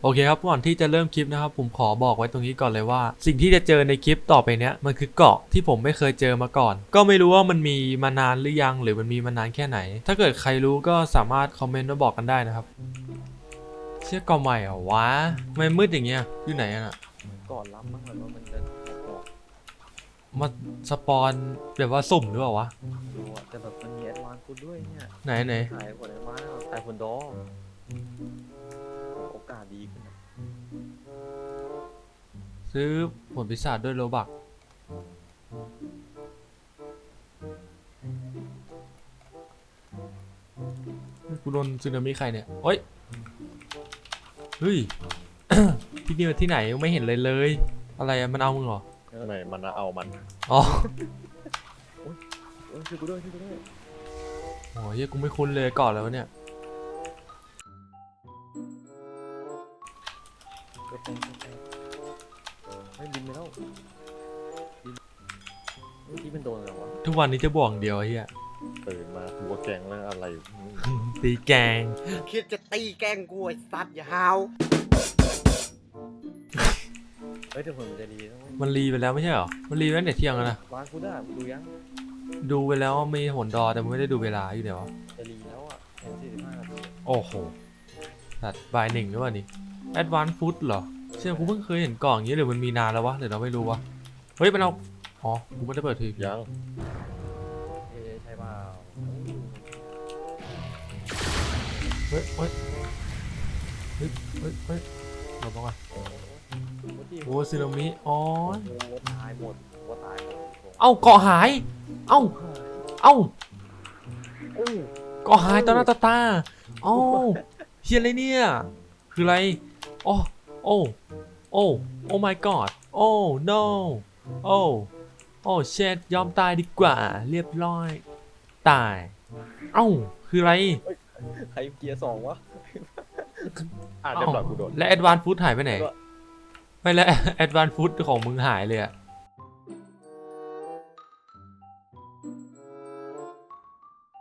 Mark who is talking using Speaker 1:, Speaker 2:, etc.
Speaker 1: โอเคครับก่อนที่จะเริ่มคลิปนะครับผมขอบอกไว้ตรงนี้ก่อนเลยว่าสิ่งที่จะเจอในคลิปต่อไปเนี้ยมันคือเกาะที่ผมไม่เคยเจอมาก่อนก็ไม่รู้ว่ามันมีมานานหรือยังหรือมันมีมานานแค่ไหนถ้าเกิดใครรู้ก็สามารถคอมเมนต์มาบอกกันได้นะครับเชื่อเกาะใหม่เหรอวะทำไมมืดอย่างเงี้ยอยู่ไหนอะน่ะ
Speaker 2: ก่อนรับมั้งเหมือนว่ามันจะออก
Speaker 1: มาสปอนแบบว่าสุ่มหรือเปล่าวะ
Speaker 2: ดูอะแต่แบบมันมีแอดวานซ์คุณด้วยเนี่ย
Speaker 1: ไหน
Speaker 2: ถ่ายผลแอดวานซ์ถ่ายผลดอโอกาสดีขึ้นอะ
Speaker 1: ซื้อผลพิศาจด้วยโลบักกูโดนซึนามิใครเนี่ยโอ้ยเฮ้ย ที่นี่มันที่ไหนไม่เห็นเลยเลยอะไรอะมันเอามึงเหรอ
Speaker 3: ไม่มันเอามัน
Speaker 1: อ๋อ
Speaker 2: เออช่วยกูด้วยช่วยกูด้วย
Speaker 1: โอ้ยเหี้ยกูไม่คุ้นเลยก่อนแล้วะเนี่ย
Speaker 2: กระแตงไม่บินไปแล้วบินเมื่อกี้เป็นโดนอะไรวะ
Speaker 1: ทุกวันนี้จะบวกอย่างเดียวไอ้เฮีย
Speaker 3: ตื่นมาหัวแกงเรื่องอะไร
Speaker 1: ตีแกง
Speaker 4: คิดจะตีแกล้งกูไอ้สัตว์อย่าหาว
Speaker 2: เฮ้ยแต่ผลมันจะดีนะ
Speaker 1: มันรีไปแล้วไม่ใช่เหรอมันรีไปตั้งแต่เที่ยงแล้วนะ
Speaker 2: วานกูได้ดูยัง
Speaker 1: ดูไปแล้วมีผลดอแต่มันไม่ได้ดูเวลาอยู่ไหนวะ
Speaker 2: จะรีแล้วอ่ะแค่45 นาที
Speaker 1: โอ้โหตัดบ่ายหนึ่งหรือเปล่านี่ Advanced Food เหรอเชื่อกูเพิ่งเคยเห็นกล่องอย่างนี้หรือมันมีนานแล้ววะหรือเราไม่รู้วะเฮ้ยมันเอาอ๋อกูไม่ได้เปิดที
Speaker 3: ยัง
Speaker 2: ใช่เปล่า
Speaker 1: เฮ้ยเฮ้ยเฮ้ยเฮ้ยเฮ้ยเราบอกว่า
Speaker 2: โอ้ที่
Speaker 1: โอ้ซึนามิอ๋อ
Speaker 2: โอ้ตายหมดว่าตายหมด
Speaker 1: เอ้าเกาะหายเอ้าเอ้า
Speaker 2: โอ้
Speaker 1: เกาะหายต่อหน้าต่อตาเอ้าเฮียอะไรเนี่ยคืออะไรโอ้โอ้โอ้โอ้ my god โอ้ no โอ้โอ้เชดยอมตายดีกว่าเรียบร้อยตายเอ้าคืออะไร
Speaker 2: ใครเกียร์2วะ
Speaker 3: เรียบร้อยกูโดน
Speaker 1: และ Advanced Food หายไปไหน ไม่และ Advanced Food ของมึงหายเลยอะ